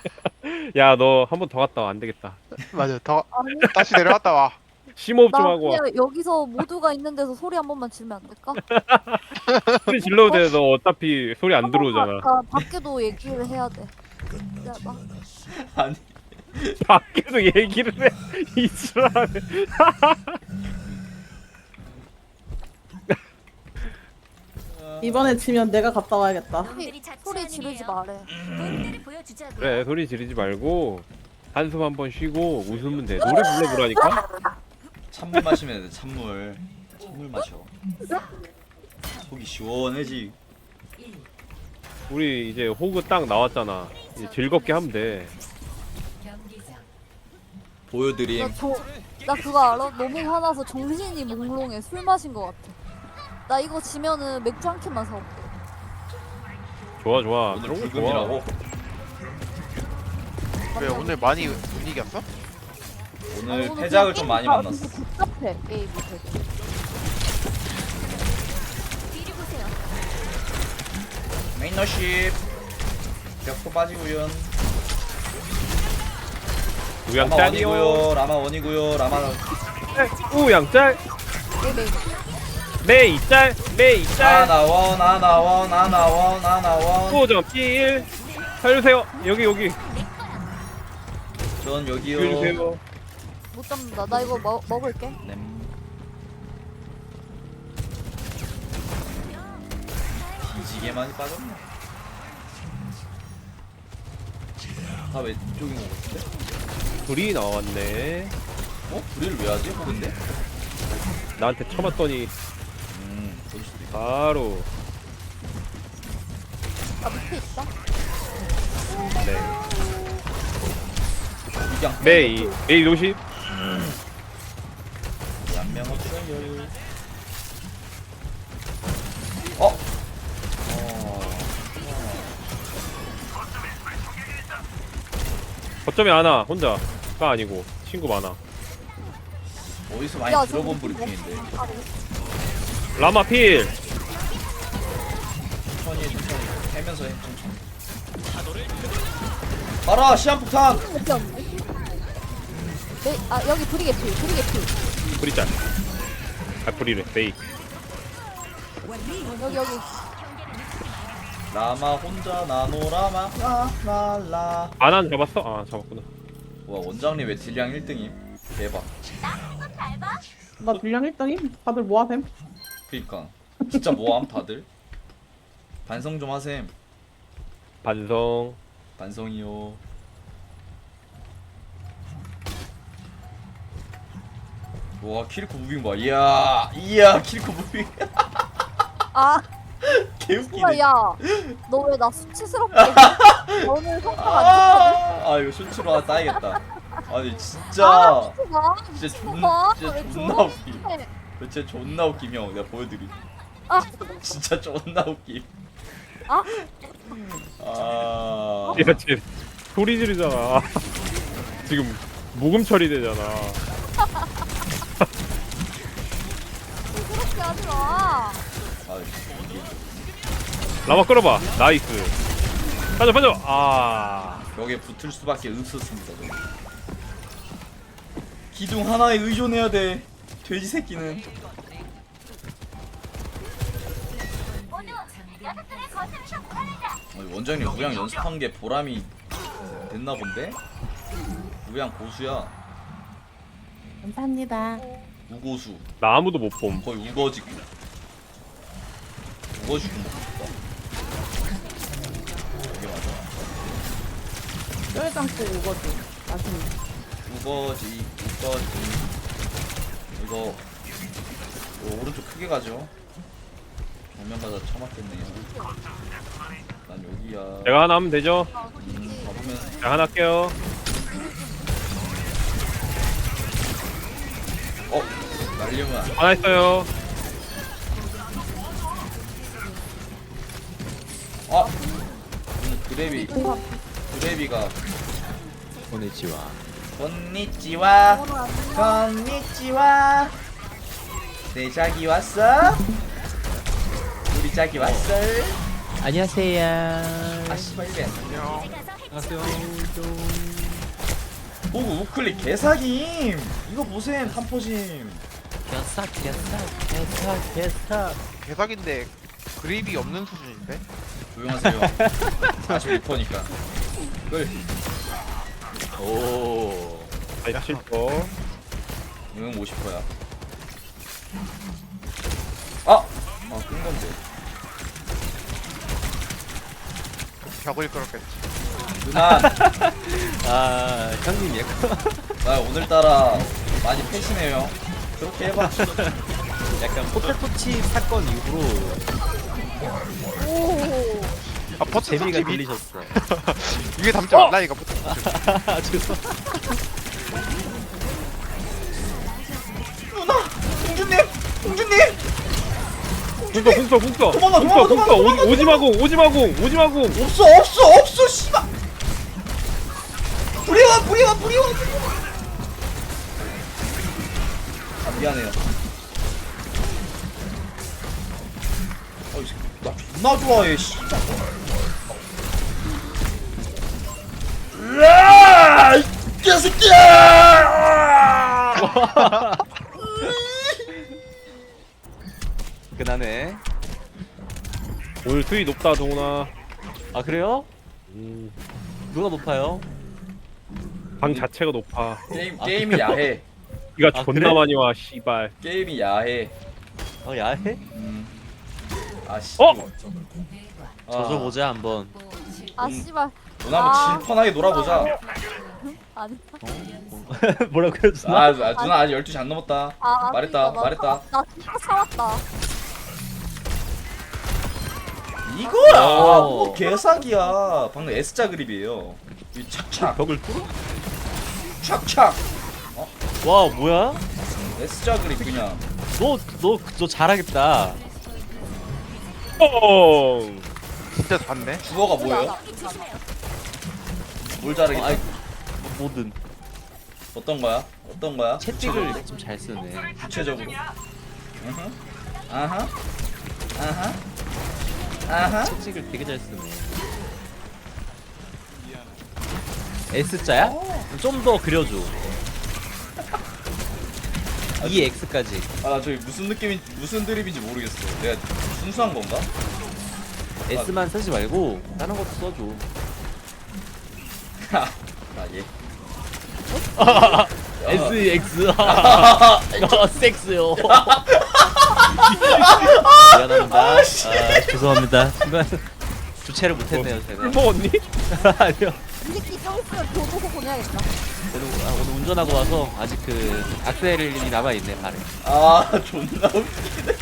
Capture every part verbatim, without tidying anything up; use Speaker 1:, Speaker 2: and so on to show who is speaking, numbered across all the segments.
Speaker 1: 야, 너 한 번 더 갔다 와. 안 되겠다.
Speaker 2: 맞아. 더
Speaker 3: 아니
Speaker 2: 다시 내려갔다 와.
Speaker 1: 심호흡 좀
Speaker 3: 나
Speaker 1: 하고 와.
Speaker 3: 그냥 여기서 모두가 있는 데서 소리 한 번만 지르면 안 될까?
Speaker 1: 소리 질러도 돼. 너 어차피 소리 안
Speaker 3: 한 번만,
Speaker 1: 들어오잖아.
Speaker 3: 나 밖에도 얘기를 해야 돼. 기다려봐.
Speaker 4: 아니
Speaker 1: 밖에서 얘기를 해. 이지랄.
Speaker 5: 이번에 지면 내가 갔다 와야겠다.
Speaker 3: 소리, 소리 지르지 말해.
Speaker 1: 그래, 소리 지르지 말고 한숨 한 번 쉬고 웃으면 돼. 노래 불러보라니까?
Speaker 4: 찬물 마시면 돼. 찬물 찬물 마셔. 속이 시원해지.
Speaker 1: 우리 이제 호그 딱 나왔잖아. 이제 즐겁게 하면 돼.
Speaker 4: 보여드림.
Speaker 3: 나, 저, 나 그거 알아? 너무 화나서 정신이 몽롱해. 술 마신 것 같아. 나 이거 지면은 맥주 한 캔만 사올게.
Speaker 1: 좋아, 좋아.
Speaker 4: 오늘
Speaker 1: 그런 거
Speaker 4: 불금이라고.
Speaker 2: 왜 오늘 많이 못 이겼어?
Speaker 4: 오늘
Speaker 3: 오늘
Speaker 4: 패작을
Speaker 3: 그냥
Speaker 4: 좀 많이
Speaker 3: 게임 다
Speaker 4: 만났어.
Speaker 3: 되게 복잡해, 게임이 되게.
Speaker 4: 메인너십 벽도 빠지고요.
Speaker 1: 우양
Speaker 4: 라마
Speaker 1: 짤이요.
Speaker 4: 원이고요. 라마 원이고요. 라마
Speaker 1: 우양 짤.
Speaker 3: 네네.
Speaker 1: 메이 짤. 메이 짤.
Speaker 4: 아나원 아나원 아나원 아나원.
Speaker 1: 오 점 일. 살려주세요. 여기, 여기.
Speaker 4: 전 여기요.
Speaker 1: 살려주세요.
Speaker 3: 못 잡는다. 나 이거 먹, 먹을게.
Speaker 4: 네. 뒤지게 많이 빠졌네. 다 왼쪽인 것 같은데?
Speaker 1: 불이 나왔네.
Speaker 4: 어? 불의를 왜 하지? 호근데?
Speaker 1: 나한테 쳐맞더니
Speaker 4: 음, 그럴 수도 있다.
Speaker 1: 바로.
Speaker 3: 나 밑에 있다.
Speaker 1: 네.
Speaker 4: 그냥
Speaker 1: 메이. 메이 노십.
Speaker 4: 양명 없어요. 어? 어.
Speaker 1: 거점에 하나 혼자가 아니고 친구 많아.
Speaker 4: 어디서 많이
Speaker 3: 야,
Speaker 4: 들어본
Speaker 3: 저기
Speaker 4: 브리핑인데.
Speaker 3: 아,
Speaker 1: 라마 필.
Speaker 4: 천천히 해, 천천히. 해면서 해, 천천히. 가라, 시한폭탄!
Speaker 3: 몇개 없네. 네, 아 여기 브리게피, 브리게피.
Speaker 1: 불이 짤. 아 불이래. 메이.
Speaker 3: 여기 여기.
Speaker 4: 라마 혼자 나노 라마 라라라.
Speaker 1: 아난 잡았어? 아 잡았구나.
Speaker 4: 와, 원장님 왜 딜량 일 등임? 대박.
Speaker 5: 나 분량 일 등임? 다들 뭐하셈?
Speaker 4: 그니까 진짜 뭐함 다들? 반성 좀 하셈.
Speaker 1: 반성.
Speaker 4: 반성이요. 와, 키리코 무빙 봐. 이야, 이야, 키리코 무빙.
Speaker 3: 아,
Speaker 4: 개웃기네.
Speaker 3: 야, 너 왜 나 수치스럽게 해? 오늘 성과가 안 좋거든.
Speaker 4: 아, 이거 쇼츠로 하나 따야겠다. 아니
Speaker 3: 아,
Speaker 4: 진짜
Speaker 3: 미친 마.
Speaker 4: 진짜
Speaker 3: 미친
Speaker 4: 존
Speaker 3: 마.
Speaker 4: 진짜
Speaker 3: 왜
Speaker 4: 존나
Speaker 3: 저러니?
Speaker 4: 웃김. 진짜 존나 웃김 형. 내가 보여드림.
Speaker 3: 아,
Speaker 4: 진짜 존나 웃김.
Speaker 3: 아,
Speaker 4: 아.
Speaker 1: 야, 쟤 소리 지르잖아. 지금 모금 처리되잖아.
Speaker 3: 그렇게 하지 마.
Speaker 4: 아,
Speaker 1: 라마 끌어봐. 나이스. 빠져 빠져. 아.
Speaker 4: 벽에 붙을 수밖에 없었습니다. 저는. 기둥 하나에 의존해야 돼. 돼지 새끼는. 아니, 원장님 우양 연습한 게 보람이 됐나 본데? 우양 고수야.
Speaker 5: 감사합니다.
Speaker 4: 우고수.
Speaker 1: 나 아무도 못 봄.
Speaker 4: 거의 우거지고. 우거지고 먹고 싶다. 이게 맞아.
Speaker 5: 뼈해장국 우거지. 맛있네.
Speaker 4: 우거지, 우거지. 이거, 이거 오른쪽 크게 가죠. 정면 가다 처맞겠네요. 난 여기야.
Speaker 1: 제가 하나 하면 되죠?
Speaker 4: 음, 가보면
Speaker 1: 제가 하나 할게요.
Speaker 4: 어, 날리면 안 돼.
Speaker 1: 하나 했어요.
Speaker 4: 아, 오늘 그래비, 그래비가.
Speaker 6: 오네치와
Speaker 4: 건니찌와,
Speaker 3: 오늘 안 돼.
Speaker 4: 건니찌와. 내 자기 왔어? 우리 자기 왔어?
Speaker 6: 안녕하세요.
Speaker 4: 아 씨발 이래.
Speaker 2: 안녕.
Speaker 6: 안녕하세요.
Speaker 4: 오 우클릭 개사김. 이거 보셈 탐포심.
Speaker 6: 개사 개사 개사 개사.
Speaker 2: 개사기인데 그립이 없는 수준인데?
Speaker 4: 조용하세요. 사십육 퍼니까. 끌.
Speaker 6: 오.
Speaker 1: 팔십 퍼.
Speaker 4: 응 오십 퍼야. 아! 아 끈건데.
Speaker 2: 벽을 끌었겠지.
Speaker 4: 누나
Speaker 6: 아 형님 얘.
Speaker 4: 나 오늘따라 많이 패시네요. 그렇게 해봐.
Speaker 6: 약간 포테토칩 사건 이후로
Speaker 3: 오.
Speaker 2: 아 버튼
Speaker 6: 재미가
Speaker 2: 재미
Speaker 6: 들리셨어.
Speaker 2: 이게 담지 말라니까 버튼.
Speaker 6: 아 죄송.
Speaker 4: 누나! 공주님! 공주님!
Speaker 1: 궁서 궁서 궁서.
Speaker 4: 도망가,
Speaker 1: 궁서
Speaker 4: 도망가,
Speaker 1: 궁서.
Speaker 4: 도망가,
Speaker 1: 오지- 오지마공 오지마공 오지마공.
Speaker 4: 없어 없어 없어 씨발! 불이와 불이와 불이와 아 미안해요. 어이 새끼 나 존나 좋아해 씨발. 으아! 이 개새끼야!
Speaker 6: 그나네.
Speaker 1: 오늘 수위 높다 동훈아.
Speaker 6: 아 그래요?
Speaker 1: 음,
Speaker 6: 누가 높아요?
Speaker 1: 방 자체가 높아.
Speaker 4: 게임
Speaker 6: 아,
Speaker 4: 게임이 야해.
Speaker 1: 비가
Speaker 6: 아,
Speaker 1: 존나
Speaker 6: 그래?
Speaker 1: 많이 와 씨발.
Speaker 4: 게임이 야해.
Speaker 6: 어 야해?
Speaker 4: 음. 아씨.
Speaker 1: 어?
Speaker 6: 저저 보자 한번.
Speaker 3: 아 씨발.
Speaker 4: 누나 한번
Speaker 3: 아.
Speaker 4: 질펀하게 놀아보자.
Speaker 3: 아니.
Speaker 6: 뭐라고요 누나?
Speaker 4: 아, 아 누나 아직 열두 시 안 넘었다.
Speaker 3: 아,
Speaker 4: 말했다,
Speaker 3: 나
Speaker 4: 말했다.
Speaker 3: 참았- 나 진짜 참았다.
Speaker 4: 이거야.
Speaker 6: 오.
Speaker 4: 뭐 개사기야. 방금 S자 그립이에요. 이 착착
Speaker 6: 벽을 뚫어?
Speaker 4: 착착.
Speaker 6: 와 뭐야?
Speaker 4: S자 그립 그냥.
Speaker 6: 너너너 잘하겠다.
Speaker 1: 뻥.
Speaker 2: 진짜 봤네.
Speaker 4: 주어가 뭐예요? 뭘 자르겠다.
Speaker 6: 어, 아이, 뭐든
Speaker 4: 어떤 거야? 어떤 거야?
Speaker 6: 채찍을 좀 잘 쓰네.
Speaker 4: 구체적으로. 으흠. 아하. 아하. 아하.
Speaker 6: 채찍을 되게 잘 쓰네. S자야? 좀 더 그려줘. 이 X까지.
Speaker 4: 아 저기 무슨 느낌인 무슨 드립인지 모르겠어. 내가 순수한 건가?
Speaker 6: S만 쓰지 말고 다른 것도 써줘.
Speaker 4: 아 예.
Speaker 6: S, X. 아, 섹스요. 미안합니다. 아, 죄송합니다. 순간 주체를 못했네요, 제가.
Speaker 1: 술 먹었니?
Speaker 6: 아니요.
Speaker 3: 이 새끼 좀 있으면 교도소 보내야겠다.
Speaker 6: 오늘, 아, 오늘 운전하고 와서 아직 그 악셀이 남아있네, 발에.
Speaker 4: 아 존나 웃기네.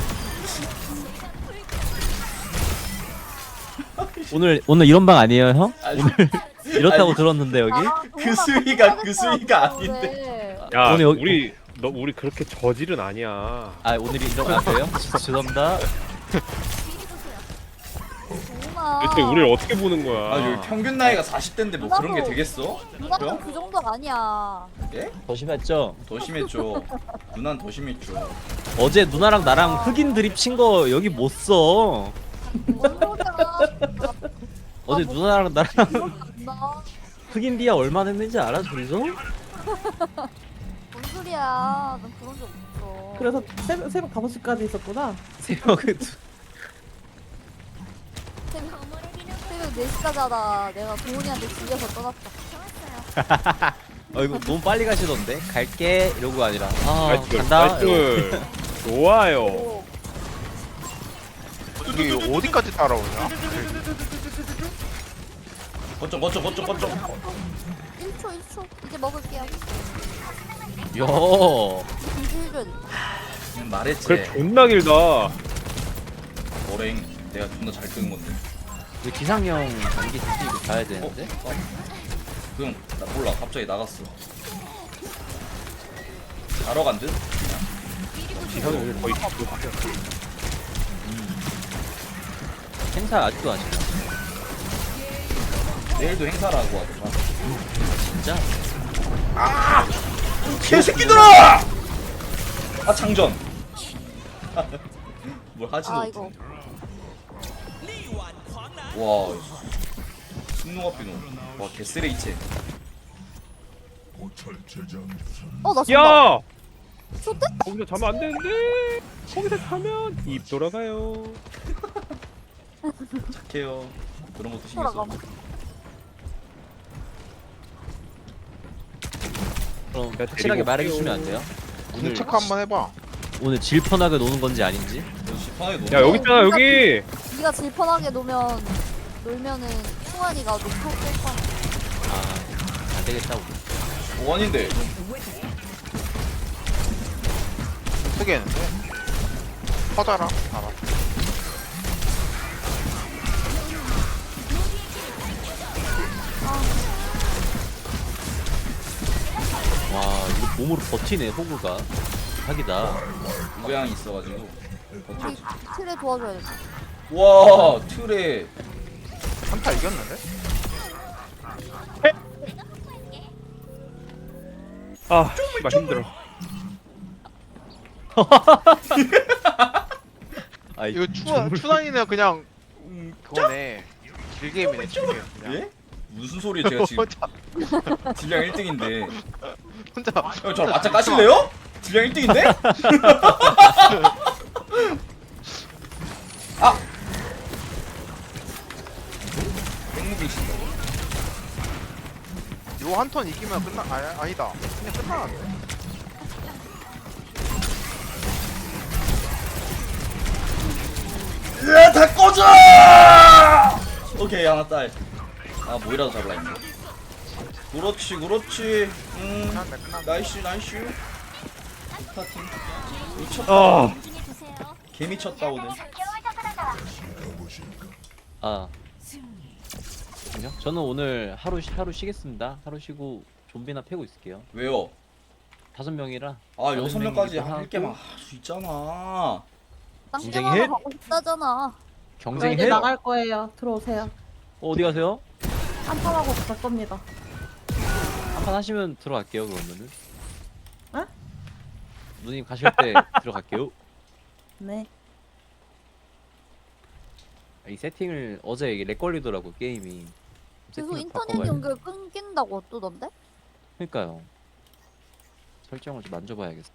Speaker 6: 오늘, 오늘 이런 방 아니에요, 형?
Speaker 4: 아니,
Speaker 6: 오늘 이렇다고
Speaker 4: 아니,
Speaker 6: 들었는데, 여기?
Speaker 3: 아,
Speaker 4: 그
Speaker 3: 동훈아,
Speaker 4: 수위가 그
Speaker 3: 그렇게
Speaker 4: 수위가
Speaker 3: 하겠다고
Speaker 4: 아닌데.
Speaker 3: 그래.
Speaker 1: 야
Speaker 6: 오늘 여기-
Speaker 1: 우리 너 우리 그렇게 저질은 아니야.
Speaker 6: 아, 오늘이 이런 거 아세요? 죄송합니다.
Speaker 3: 동훈아.
Speaker 1: 대체 우리를 어떻게 보는 거야?
Speaker 4: 아 여기 평균 나이가 사십 대인데 뭐 그런 게 되겠어?
Speaker 3: 누나는
Speaker 4: 그럼?
Speaker 3: 그 정도 아니야.
Speaker 4: 예?
Speaker 6: 더 심했죠?
Speaker 4: 더 심했죠. 누난 더 심했죠.
Speaker 6: 어제 누나랑 나랑 흑인 드립 친 거 여기 못 써.
Speaker 3: 뭔 소리야.
Speaker 6: 어제
Speaker 3: 뭐-
Speaker 6: 누나랑 나랑
Speaker 3: 나
Speaker 6: 흑인 디아 얼마 냈는지 알아, 둘이서?
Speaker 3: 뭔 소리야. 난 그런 적 없어.
Speaker 5: 그래서 새벽, 새벽 다섯 시까지 있었구나.
Speaker 6: 새벽에 두-
Speaker 3: 새벽, 새벽 네 시까지 하다 내가 동훈이한테 질려서 떠났다.
Speaker 6: 어 이거 너무 빨리 가시던데? 갈게 이러고 아니라 아
Speaker 1: 나이스,
Speaker 6: 간다.
Speaker 1: 나이스. 좋아요.
Speaker 3: 오.
Speaker 2: 이게 어디까지 따라오냐?
Speaker 4: 거점 거점 거점 거점.
Speaker 3: 일 초 일 초 이제 먹을게요.
Speaker 6: 야
Speaker 3: 이제 해줘야 돼.
Speaker 4: 그냥 말했지.
Speaker 1: 그래 존나 길다.
Speaker 4: 머랭 내가 존나 잘 끄는 건데.
Speaker 6: 우리 기상형 전기 드시고 가야 되는데?
Speaker 4: 어? 그럼 나 몰라. 갑자기 나갔어. 자러 간 듯?
Speaker 1: 지상이 오늘 거의
Speaker 6: 행사 아직도 하시나?
Speaker 4: 내일도 행사라고 하더라.
Speaker 6: 진짜?
Speaker 4: 개새끼들아! 아 장전. 뭘 하지도
Speaker 3: 아
Speaker 4: 못해.
Speaker 3: 이거
Speaker 4: 와 신노가 비노. 와 개쓰레기체.
Speaker 3: 어나 쏜다.
Speaker 1: 야!
Speaker 3: 쏜대?
Speaker 1: 거기서 자면 안 되는데. 거기서 자면 입 돌아가요.
Speaker 4: 착해요. 그런 것도 신경 써.
Speaker 3: 돌아가.
Speaker 6: 그럼
Speaker 1: 야,
Speaker 6: 확실하게
Speaker 1: 데리고
Speaker 6: 말해주시면
Speaker 1: 올게요.
Speaker 6: 안 돼요? 오늘
Speaker 2: 체크 한번 해봐.
Speaker 6: 오늘 질펀하게 노는 건지 아닌지?
Speaker 4: 역시 편하게 노는
Speaker 1: 야 여기 있잖아 여기.
Speaker 3: 네가 질펀하게 놓으면 놀면은 충환이가 녹할 뺄 거야.
Speaker 6: 아, 안 되겠다 우리.
Speaker 4: 오 아닌데.
Speaker 2: 쓰겠는데? 퍼져라. 알아.
Speaker 6: 와 이거 몸으로 버티네 호구가. 사기다.
Speaker 4: 우양이 있어가지고.
Speaker 3: 우리
Speaker 4: 버텼지.
Speaker 3: 틀에 도와줘야 돼.
Speaker 4: 와 틀에
Speaker 2: 한타 이겼는데?
Speaker 1: 아 씨발 힘들어.
Speaker 6: 아이,
Speaker 2: 이거 추, 추단이는 그냥 음, 그거네. 길게임이네 길게임 그냥.
Speaker 4: 예? 무슨 소리예요 제가 지금
Speaker 2: 혼자
Speaker 4: 딜량 일 등인데.
Speaker 2: 혼자
Speaker 4: 형 저랑 맞짱 까실래요? 딜량 일 등인데? 아! 땡무빙 친다고?
Speaker 2: 요 한 턴 이기면 끝나 아, 아니다 그냥 끝나는데.
Speaker 4: 으아 다 꺼져! 오케이 하나 딸. 아 뭐이라도 잡으라 했네. 그렇지 그렇지. 음
Speaker 2: 끝났네 끝났네.
Speaker 4: 나이스 나이스. 스타팅. 미쳤다.
Speaker 1: 아
Speaker 4: 개 미쳤다 오늘.
Speaker 6: 아. 아니요? 저는 오늘 하루 쉬- 하루 쉬겠습니다. 하루 쉬고 좀비나 패고 있을게요.
Speaker 4: 왜요?
Speaker 6: 다섯 명이라.
Speaker 4: 아 여섯 명까지
Speaker 6: 하고.
Speaker 4: 할 게만 할 수 있잖아.
Speaker 6: 경쟁이
Speaker 3: 쌍둥이로
Speaker 6: 해?
Speaker 3: 가고 싶다잖아.
Speaker 5: 저
Speaker 6: 경쟁이
Speaker 5: 이제
Speaker 6: 해?
Speaker 5: 나갈 거예요. 들어오세요.
Speaker 6: 어, 어디 가세요?
Speaker 5: 한판하고 갈 겁니다.
Speaker 6: 한 판 하시면 들어갈게요 그러면은.
Speaker 5: 에?
Speaker 6: 누님 가실 때 들어갈게요.
Speaker 5: 네.
Speaker 6: 이 세팅을 어제 이게 렉 걸리더라고 게임이.
Speaker 3: 계속
Speaker 6: 세팅을
Speaker 3: 인터넷
Speaker 6: 바꿔봐야 돼.
Speaker 3: 연결 끊긴다고 뜨던데?
Speaker 6: 그러니까요. 설정을 좀 만져봐야겠어.